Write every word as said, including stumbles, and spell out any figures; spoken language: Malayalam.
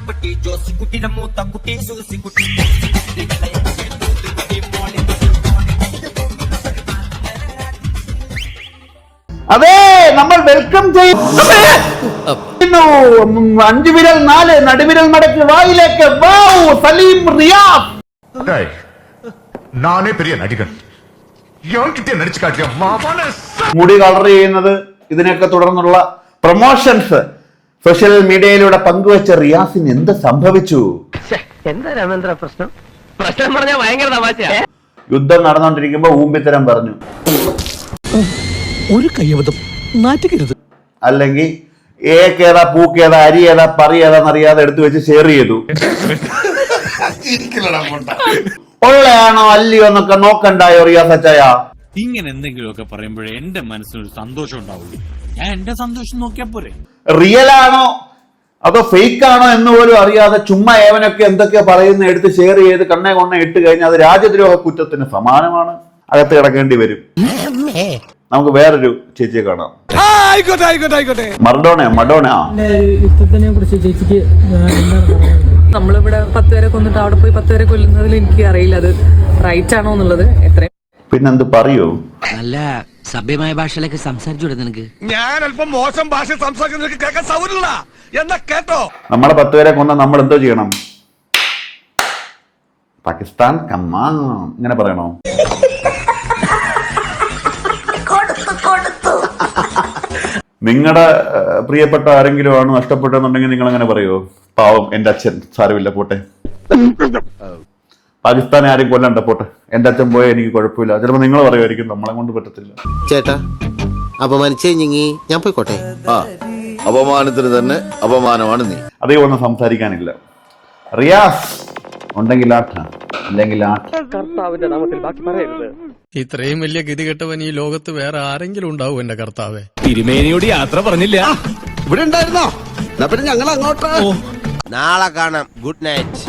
മാത്തുക്കുട്ടി ജോസിക്കുട്ടിയുടെ മൂത്ത കുട്ടി സൂസിക്കുട്ടി. അതെ, നമ്മൾ വെൽക്കം ചെയ്യുന്നു. അഞ്ചു വിരൽ നാല് നടുവിരൽ മടക്കി വായിലേക്ക്. വാവ്, സലീം റിയാസ്. നാനേ പെരിയ നടികൻ നടിച്ചു കാട്ടിയ മുടി കളർ ചെയ്യുന്നത്, ഇതിനൊക്കെ തുടർന്നുള്ള പ്രൊമോഷൻസ് സോഷ്യൽ മീഡിയയിലൂടെ പങ്കുവെച്ച റിയാസിന് എന്ത് സംഭവിച്ചു? എന്താ രാമേന്ദ്ര പ്രശ്നം? പ്രശ്നം പറഞ്ഞാൽ ഭയങ്കര തമാശയാ. യുദ്ധം നടന്നുകൊണ്ടിരിക്കുമ്പോ ഊമ്പിത്തരം പറഞ്ഞു, ഒരു കയ്യബദ്ധം നാറ്റുകരുത്. അല്ലെങ്കിൽ ഏക്കേതാ പൂക്കേതാ അരി ഏതാ പറി ഏതാന്നറിയാതെ എടുത്തു വെച്ച് ഷെയർ ചെയ്തു. ഉള്ളയാണോ അല്ലയോ എന്നൊക്കെ നോക്കണ്ടായോ റിയാസ് അച്ചായ? ഇങ്ങനെ എന്തെങ്കിലുമൊക്കെ പറയുമ്പോഴേ എന്റെ മനസ്സിനൊരു സന്തോഷം ഉണ്ടാവുള്ളൂ. ഞാൻ എന്റെ സന്തോഷം നോക്കിയാ പോരെ. റിയൽ ആണോ അതോ ഫേക്ക് ആണോ എന്ന് പോലും അറിയാതെ ചുമ്മാ ഏവനൊക്കെ എന്തൊക്കെയോ പറയുന്ന എടുത്ത് ഷെയർ ചെയ്ത് കണ്ണേ കൊണ്ണ ഇട്ട് കഴിഞ്ഞാൽ അത് രാജ്യദ്രോഹ കുറ്റത്തിന് സമാനമാണ്. അകത്ത് കിടക്കേണ്ടി വരും. നമുക്ക് വേറൊരു ചേച്ചിയെ കാണാം. മർഡോണ മഡോണ യുദ്ധത്തിനെ കുറിച്ച് ചേച്ചിക്ക് നമ്മളിവിടെ പത്ത് പേരെ കൊന്നിട്ട് അവിടെ പോയി പത്ത് പേരെ കൊല്ലുന്നതിൽ എനിക്ക് അറിയില്ല അത് റൈറ്റ് ആണോ എന്നുള്ളത്. എത്രയും പിന്നെന്ത് പറയൂ? നല്ല സഭ്യമായ ഭാഷയിലൊക്കെ സംസാരിച്ചു നിനക്ക്. ഞാൻ അല്പം മോശം ഭാഷ സംസാരിക്കുന്ന കേൾക്കാൻ സൗകര്യമില്ല എന്നാ കേട്ടോ. നമ്മളെ പത്ത് പേരെ കൊന്ന നമ്മൾ എന്തോ ചെയ്യണം? പാകിസ്ഥാൻ കമ്മാൻ ഇങ്ങനെ പറയണോ? നിങ്ങളുടെ പ്രിയപ്പെട്ട ആരെങ്കിലും ആണ് നഷ്ടപ്പെട്ടെന്നുണ്ടെങ്കിൽ നിങ്ങൾ അങ്ങനെ പറയുമോ? പാവം എന്റെ അച്ഛൻ, സാരമില്ല പോട്ടെ. പാകിസ്ഥാനെ ആരും കൊല്ലണ്ട പോട്ടെ, എന്റെ അച്ഛൻ പോയാൽ എനിക്ക് കുഴപ്പമില്ല. ചിലപ്പോൾ നിങ്ങൾ പറയുമായിരിക്കും നമ്മളെ കൊണ്ട് പറ്റത്തില്ല. ചേട്ടാ അപമാനിച്ചേ ഞാൻ പോയിക്കോട്ടെ. ആ അപമാനത്തിന് തന്നെ അപമാനമാണ് നീ. അധികം ഒന്നും സംസാരിക്കാനില്ല. റിയാസ് ഉണ്ടെങ്കിൽ ആട്ട, അല്ലെങ്കിൽ ആട്ട. കർത്താവിന്റെ നാമത്തിൽ ബാക്കി പറയരുത്. ഇത്രയും വലിയ ഗതികെട്ടവൻ ഈ ലോകത്ത് വേറെ ആരെങ്കിലും ഉണ്ടാവും എന്റെ കർത്താവേ? തിരുമേനിയോട് യാത്ര പറഞ്ഞില്ല. ഇവിടെ ഉണ്ടായിരുന്നോ? പിന്നെ ഞങ്ങൾ അങ്ങോട്ട് നാളെ കാണാം. Good night.